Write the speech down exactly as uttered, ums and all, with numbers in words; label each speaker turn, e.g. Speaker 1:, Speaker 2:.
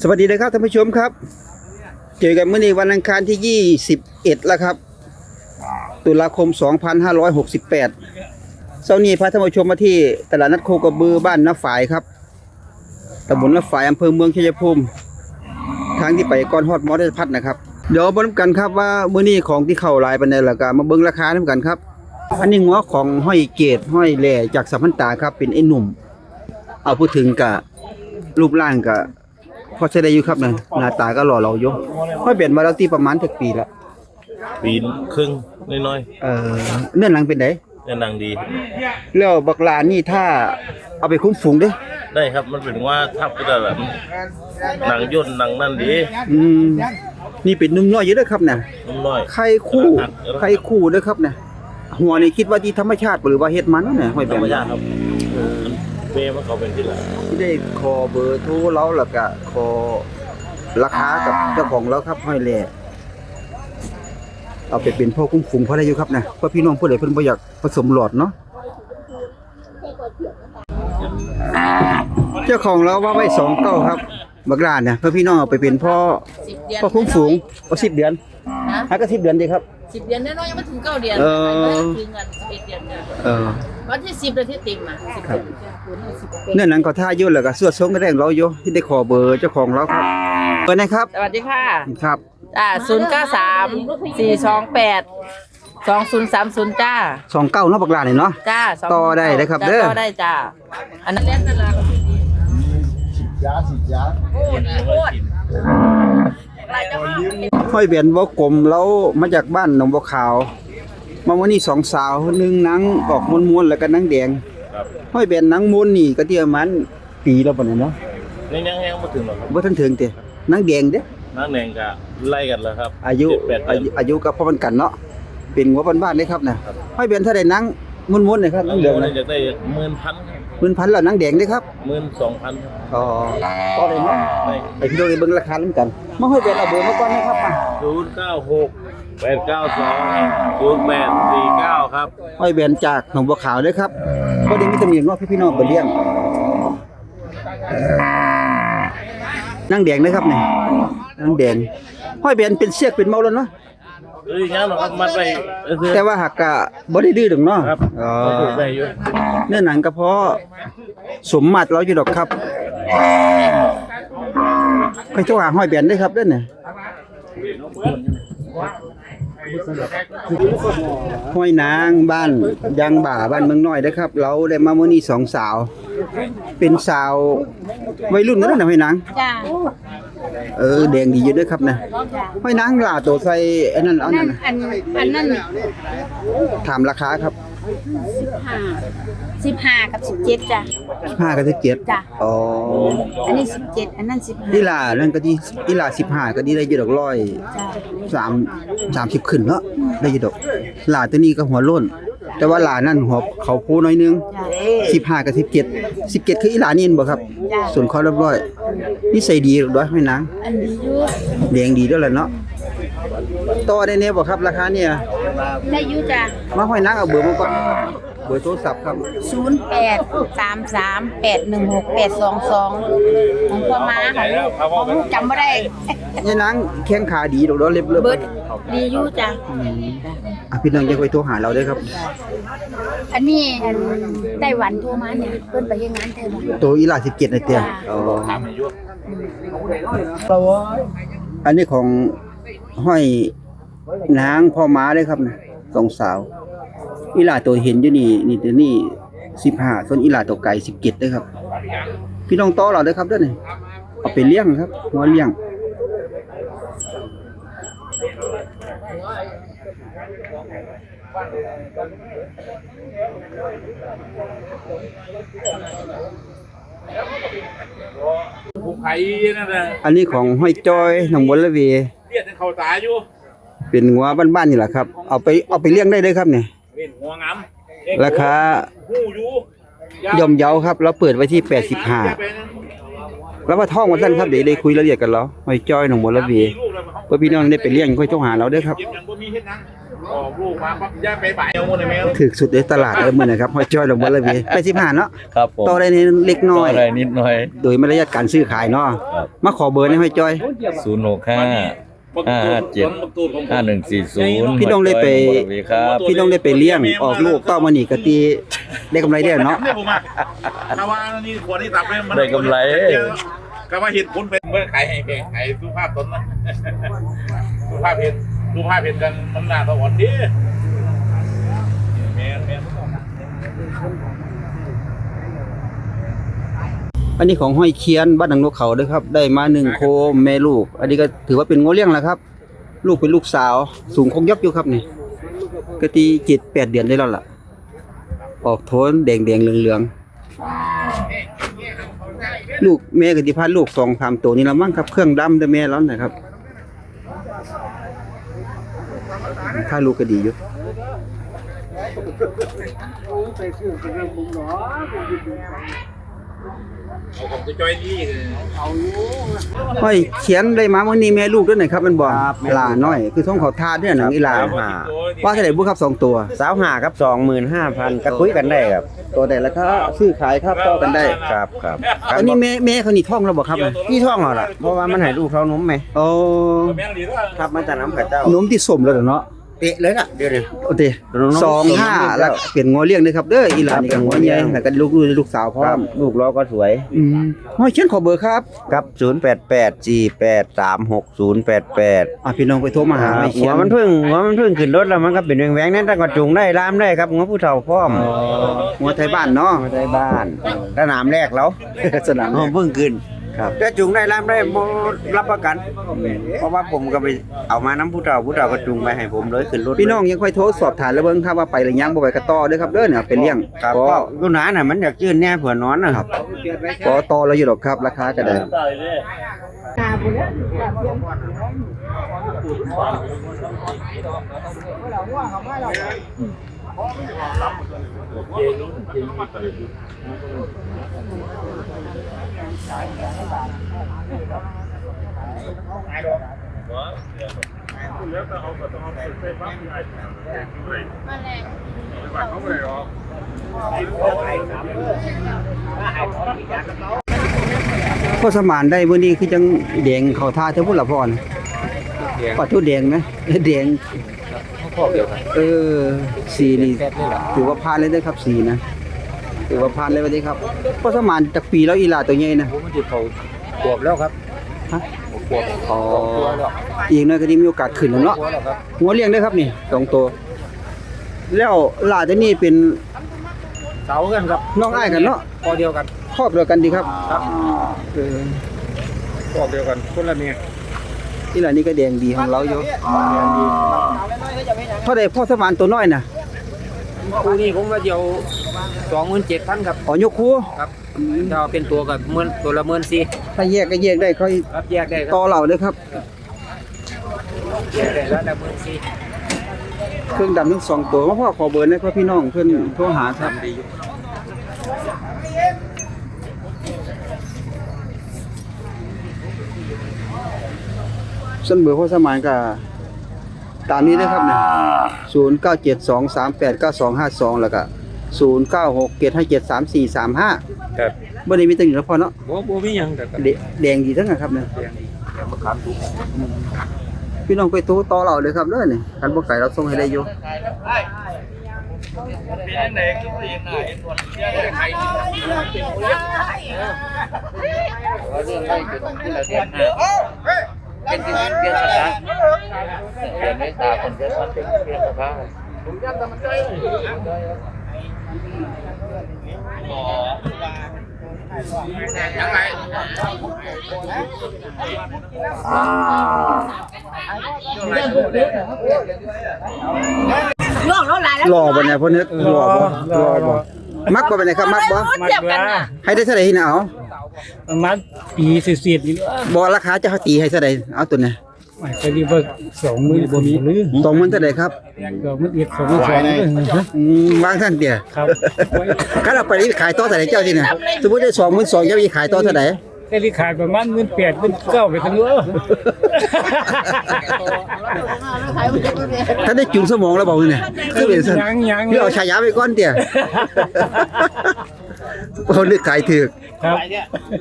Speaker 1: สวัสดีนะครับท่านผู้ชมครับเจอกันเมื่อนี้วันอังคารที่ยี่สิบเอ็ดแล้วครับตุลาคมสองพันห้าร้อยหกสิบแปดเช้านี้พาท่านผู้ชมมาที่ตลาดนัดโคกระบือบ้านน้าฝายครับตำบลน้าฝายอำเภอเมืองชัยภูมิทางที่ไปก้อนฮอดมอเตอร์พัดนะครับเดี๋ยวมาดูกันครับว่ามื้อนี้ของที่เข้าหลายปานใดแล้วก็มาเบิ่งราคานํกันครับอันนี้งัวของห้อยเกตห้อยแหล่จากสัมพันตาครับเป็นไอ้หนุ่มเอาพูดถึงกะรูปร่างกะพอใช้ได้อยู่ครับนะหน้าตาก็หล่อเหลาอยู่ห้อยเปลี่ยนมาแล้วที่ประมาณสักปีละ
Speaker 2: ปีครึ่งน้อย
Speaker 1: ๆเอ่อเนื้อหนังเป็นได
Speaker 2: เนื้อหนังดี
Speaker 1: แล้วบักลานี่ถ้าเอาไปคุ้มฝูงเด้
Speaker 2: ได้ครับมันเป็นว่าทับก็ได้แบบหนังย่นหนังนั่นดี
Speaker 1: อืมนี่เป็นนุ่มน้อยอยู่เด้อครับน่ะ
Speaker 2: นุ่มน้อย
Speaker 1: ไข่คู่ไข่คู่เด้อครับน่ะหัวนี่คิดว่าที่ธรรมชาติหรือว่าเฮ็ดมันน่ะห้อยแบบ
Speaker 2: ธรรมชาติครับเออเบมันเขาเป็นที่ละ
Speaker 1: ที่ได้ขอเบอร์โทรเราแล้วก็ขอราคากับเจ้าของเราครับห้อยแหล่เอาไปเป็นพ่อคุ้มฝูงพอได้อยู่ครับนะเพราะพี่น้องผู้ใดเพิ่นบ่อยากผสมหลอดเนาะเจ้าของเราว่าไว้สองเก้าครับบักลาเนี่ยเพื่อพี่น้องเอาไปเป็นพ่อพ่อคุ้มฝูงเอาสิบเดือนฮะก็สิบเดือนดีครับ
Speaker 3: สิบเดือนแน่นอนยังไม่ถึงเก้าเดือนถึงเงินสิบเอ็ดเดือนเออวันที่สิบเดือนที่เต็มอ่ะสิบเดือน
Speaker 1: เนื่องนั้นก็ท่ายุ่นแล้วก็สวดทรงก็ได้ของเราอยู่ที่ได้ขอเบอร์เจ้าของเราครับเบอร์ไหนครับ
Speaker 3: สวัสดีค่ะ
Speaker 1: ครับ
Speaker 3: อ่าศูนย์เก้าสามสี่สองแปดสองศูนย์สามศูนย์จ้า
Speaker 1: สองเก้าเนาะบักลาเนี่ยเนาะ
Speaker 3: จ้า
Speaker 1: ต่อได้เลยครับเด้อ
Speaker 3: ต่อได้จ้าอันนั้นเล่นนั่นแหละสิบยาสิบยาโอ้ดีโคตร
Speaker 1: ห้อยเบียนบ่กลมแล้วมาจากบ้านหนองบัวขาวมาวันนี้สองสาวนึงหนังออกม้วนๆแล้วก็หนังแดงห้อยเบียนหนังม้วนนี่ก็เที่ยมันปีแล้วบ่เนี่ยเนาะ
Speaker 2: ยังยังยังบ่ถึงหรอกครับ
Speaker 1: บ่ทันถึงติหนังแดงเด้
Speaker 2: หนังแดงก็ไล่กันแล้วครับ
Speaker 1: อายุอายุก็พอมันกันเนาะเป็นหัวบ้านๆเด้ครับน่ะห้อยเบียนเท่าใดหนังม้วนๆนี่ครับหนังเหลือง
Speaker 2: อยากได้ หนึ่งหมื่น พัน
Speaker 1: หนึ่งพันแล้วหนังแดงเด้ครับ
Speaker 2: หนึ่งหมื่นสองพัน
Speaker 1: อ๋อต่อได้เนาะไปพี่น้องได้เบิ่งราคานํกันมาห้อยเบียนเอาเบอร์มาก่อนนะครับมา
Speaker 2: ศูนย์เก้าหก แปดเก้าสอง ศูนย์แปดสี่เก้าครับ
Speaker 1: ห้อยเบียนจากหนองบัวขาวเด้อครับบ่ได้มีตำหนิเนาะพี่น้องบ่เลี้ยงนางแดงนะครับนี่นางแดงห้อยเบียนเป็นเสียกเป็นเมาแล้วเนาะ
Speaker 2: เอ้ยงั้นหรอครับมัดไป
Speaker 1: แต่ว่าหักกะบ่ได้ดื้อดอกเนาะอ๋อ
Speaker 2: ได้อยู่
Speaker 1: เนื้อหนังก็พอสมมาตรเราอยู่ดอกครับใครเจ้าหาห้อยเบียนได้ครับเด้อเนี่ยห้อยนางบ้านยางบ่าบ้านเมืองน้อยเด้อครับเราได้มามื้อนี้สองสาวเป็นสาววัยรุ่นนั่นน่ะห้อยนาง
Speaker 3: จ้า
Speaker 1: เออแดงดีอยู่ด้วยครับนะห้อยนางล่ะตัวใส่อันนั้นอันนั้น
Speaker 3: อันอันนั้น
Speaker 1: ถามราคาครับ
Speaker 3: สิบห้ากับสิบเจ็ดจ้ะ
Speaker 1: สิบห้ากับสิบเจ็ด
Speaker 3: จ้ะ
Speaker 1: อ๋อ
Speaker 3: อันนี้สิบเจ็ดอันนั้นสิบห้า
Speaker 1: อีหล่านั่นก็ดีอีหล่าสิบห้าก็ดีได้อยู่ดอกร้อยสามสามสิบขึ้นเนาะได้อยู่ดอกหล่าตัวนี้ก็หัวโล้นแต่ว่าหล่านั่นหัวเขาโพน้อยนึงสิบห้ากับสิบเจ็ด สิบเจ็ดคืออีหล่านี่บ่ครับส่วนเขาเรียบร้อยนิสัยดีด้วยห้อยนาง
Speaker 3: อันดีอยู่
Speaker 1: แดงดีด้วยแหละเนาะต่อได้แน่บ่ครับราคาเนี่ย
Speaker 3: ได้อยู่จ้ะ
Speaker 1: มาห้อยนางเอาเบอร์มาก่อนเบอร์โทรศัพท์ครับ
Speaker 3: ศูนย์แปด สามสาม แปดหนึ่งหก แปดสองสองของพ่อม้าค่ะของลูกจำบ่ได้
Speaker 1: ยายนางแข้งขาดีดอกเล็บเล็บ
Speaker 3: เบิดดีอยู่จ้ะ
Speaker 1: อ่ะพี่น้องจะไปโทรหาเราได้ครับ
Speaker 3: อันนี้อันไต้หวันโทรมาเนี่ยเพิ่นไปเฮ็ดงานไต้หวัน
Speaker 1: ตัวอีหล่าสิบเจ็ดน่ะเตี้ยอ๋ออันนี้ของห้อยนางพ่อม้าเลยครับนะสองสาวอีหล่าตัวเห็นอยู่นี่นี่ตัวนี้สิบห้าส่วนอีหล่าตัวไก่สิบเจ็ดเด้อครับพี่น้องต่อเราเด้อครับเด้อนี่เอาไปเลี้ยงครับหัวเลี้ยงอันนี้ของห้อยจ้อยหนองบัวระเวเรียกเขาตาอยู่เป็นงัวบ้านๆนี่แหละครับเอาไปเอาไปเลี้ยงได้เลยครับเนี่ยราคาย่อมเยาครับเราเปิดไว้ที่แปดสิบห้าแล้วว่าท่องวันสั้นครับเดี๋ยวได้คุยรายละเอียดกันแล้วห้อยจ้อยหนองบัวระเวเพื่อพี่น้องได้ไปเลี้ยงค่อยโทรหาเราเด้อครับ
Speaker 2: ออกลูกมาปั๊บย่าไปบ่ายเอาหมดเลยแม่
Speaker 1: ถึกสุดในตลาดเลยมื้อนะครับห้อยจ้อยลงบ่เลยพี่แปดสิบห้าเนาะ
Speaker 2: ครับผม
Speaker 1: ต่อได้ในเล็กน้อย
Speaker 2: อะไรนิดหน่อย
Speaker 1: โดยมารยาทการซื้อขายเนาะมาขอเบอร์ให้ห้อยจ้อย
Speaker 2: ศูนย์หกห้าห้าห้าเจ็ดห้าหนึ่งสี่ศูนย์
Speaker 1: พี่น้องได้ไป
Speaker 2: ครับ
Speaker 1: พี่น้องได้ไปเลี้ยงออกลูกต่อมานี่ก็ตีได้กำไรได้เนาะ
Speaker 4: เนี่ยผมอ่ะถ้าว่านี่ขวดที่ตับเนี่ยมัน
Speaker 2: ได้กำไร
Speaker 4: ก็ว่าเห็ดคุณเป็นเมื่อขายให้เพลงขายสุภาพตนนะสุภาพเห็นสุภาพเห็นกันมันหนาสวรรค์ดิแม่แม่
Speaker 1: อันนี้ของห้อยเคียนบ้านหนังนกเขาเด้อครับได้มาหนึ่งโคมแม่ลูก อันนี้ก็ถือว่าเป็นโงเลี้ยงแล้วครับ ลูกเป็นลูกสาว สูงคงยับอยู่ครับนี่ก็ตีเจ็ดแปดเดือนได้แล้วล่ะ ออกโทนแดงแดงๆเหลืองๆลูกแม่ก็ที่พาลูกสองสามตัวนี่ละมั้งครับเครื่องดำแต่แม่แล้วนะครับถ้าลูกก็ดีอยู่
Speaker 4: เอาผมจะจอยนี่
Speaker 1: ห้อยเขียนได้มามื้อนี้แม่ลูกด้วยหน่อยครับมันบ่หลาน้อย คือท้องเขาทาดเนี่ยหนังอีหลาว่าเท่าไหร่บุครับสองตัว
Speaker 5: สาวหาครับ สองหมื่นห้าพัน ก็คุยกันได้ครับ
Speaker 1: ตัวใดราคาซื้อขายครับต่อกันได้
Speaker 5: ครับครับ
Speaker 1: อันนี้แม่แม่เขานี่ท้องแล้วบ่ครับ
Speaker 5: พี่ท่องเหรอล่ะ เพราะว่ามันให้ลูกเท่านมไหม
Speaker 1: โอ้
Speaker 4: แม่งดีด้วย
Speaker 5: ครับมาจากน้ำข้าเจ้าน
Speaker 1: มที่สมแล้วเนาะ
Speaker 5: เตะเลยล่ะ เดี๋ยวนี้
Speaker 1: โอเคสองห้าแล้วเปลี่ยนงัวเลี้ยงเด้อครับเด้ออีหลานนี่ก็งัวใหญ่แล้วก็ลูกลูกสาวพร้อ
Speaker 5: ครับ
Speaker 1: ม
Speaker 5: ลูกล้อก็สวย
Speaker 1: อืมห้อยเขียนขอเบอร์ครับ
Speaker 5: ครับ ศูนย์ แปด แปด สี่ แปด สาม หก ศูนย์ แปด แปด
Speaker 1: อ่ะพี่น้องไปโทรมาหาห้อย
Speaker 5: หั
Speaker 1: เขี
Speaker 5: วย
Speaker 1: น
Speaker 5: มันเพิ่งหัวมันเพิ่งขึ้นรถแล้วมันก็เป็นแหวงๆนั่นแต่ก็จูงได้ลามได้ครับหัวผู้เฒ่าพร้อม
Speaker 1: งัวไทยบ้านเนาะ
Speaker 5: มาได้บ้านสนามแรกแล้ว
Speaker 1: สนาม
Speaker 5: อ๋อเพิ่งขึ้น
Speaker 1: ครับ
Speaker 5: จะจูงได้ลามได้บ่รับประกัน เพราะว่าผมก็ไปเอามาน้ำผู้เฒ่าผู้เฒ่าก็จูงไปให้ผมเลยขึ้นรถ
Speaker 1: พี่น้องยังค่อยโทรสอบถามแล้วเบิ่งครับว่าไปหรือยังบ่ไปก็ต่อเด้อครับเด้อเนี่ยเป็นเลี้ยง
Speaker 5: ครับ
Speaker 1: ก็
Speaker 5: ก็ลูกหนาน่ะมันอยากจื้นแน่เผื่อนอนนะครับ
Speaker 1: ก็ต่อแล้วอยู่ดอกครับ ราคาก็ได้ พ่อสมานได้มื้อนี้คือจังแดงเข้าท่าเท่าพุ่นละพรปัดทุแดงไหมแดงเออสีนี่ถือว่าผ่านเลยเด้อครับสีนะถือว่าผ่านเลยว่าเด้ครับพ่อสมานจักปีแล้วอีหลาตัวใหญ่นะ
Speaker 5: ผมมันจะเขาขวบแล้วครับ
Speaker 1: ฮะอ๋ออีกหน่อยก็ได้มีโอกาสขึ้นแล้วเนาะหัวเลี้ยงเด้อครับนี่สองตัวแล้วหลาตัวนี้เป็น
Speaker 5: เสากันครับ
Speaker 1: น้องอ้ายกันเนาะ
Speaker 5: พอเดียวกัน
Speaker 1: ครอบเดียวกันดีครับเออ
Speaker 5: พอเดียวกันคนละเมีย
Speaker 1: อีหลานี่ก็แดงดีของเราอยู่เท่าใดพ่อสมานตัวน้อยน่ะ
Speaker 5: คู่นี้ผมว่าเดียวสองหมื่นเจ็ดพันครับ
Speaker 1: อ๋อยกคู่
Speaker 5: ครับถ้าเป็นตัวกับเมื่นตัวละเมื่นสี่
Speaker 1: ถ้าแยกก็แยกได้ค่อย
Speaker 5: ครับแยกได้ค
Speaker 1: ต่
Speaker 5: รั
Speaker 1: อบ เหล่าเลยครับ
Speaker 5: แยกได้แล้วละเมื่นสี่
Speaker 1: เครื่องดำทั้งสองตัวมาพ่อขอเบอร์ให้พ่อพี่น้องเพื่อนโทรหาครับส่วนเบอร์พ่อสมานก็ตามนี้นะครับเนี่ยศูนย์เก้าเจ็ดสองสามแปดเก้าสองห้าสองแล้วก็ศูนย์เก้าหกเจ็ดห้าเจ็ดสามสี่สามห้า
Speaker 5: ครับ
Speaker 1: บ่ได้มีตังค์อยู่แล้วพอเนาะ
Speaker 5: บ่บ่มีหยังแต่ก็
Speaker 1: แดแดงดีทั้งนั้นครับเนี่ย
Speaker 5: เดี๋ยวมาขามทุก
Speaker 1: พี่น้องไปโทรต่อเราเลยครับเด้อนี่คันบ่ไกลเราส่งให้ได้อยู่
Speaker 4: เป็นยังไงคือเป็นยังไงตัวเนี้ยใครเป็นที่เปลี่ยนสถานเปลี่ยนในตาคนเดียวมันเป็นเปลี่ยนสภาพผมยันแต่มันใจยังไง
Speaker 3: ล่วงแล้วหลายแล้ว
Speaker 1: หล่อบ่เนี่ยพ่อนึกหล่อบ่หล่อบ่มักบ่เป็นไงครับมักบ่
Speaker 3: เทียบกันน่ะ
Speaker 1: ให้ได้เท่าไหร่นี่นะเอา
Speaker 6: ประมาณปีเศษๆนี่
Speaker 1: บ่ราคาจะเขาตีให้เท่าไหร่เอาตัวนี้
Speaker 6: ไม่ก็ดีว่าสองมือบ่มีหรือ
Speaker 1: สองหมื่นเท่าไหร่ครับ
Speaker 6: ก็มันเอียดสองมือสองเลยฮะ
Speaker 1: อืมวางท่านเดียว
Speaker 6: ครับ
Speaker 1: คันเอาไปนี่ขายต่อเท่าไหร่เจ้าสิน่ะสมมุติได้สองหมื่นสองเจ้าสิขายต่อเท่าไหร่
Speaker 6: แต่ที่ขายประมาณหมื่นแปดหมื่นเก้าไปทั้งเออ
Speaker 1: ถ้าได้จุนสมองแล้วบอกเนี่ยคือเป็นซั่น
Speaker 6: ยังยัง
Speaker 1: คือเอาฉายาไปก่อนเตี่ย เอานึกขายถูก
Speaker 6: ครับ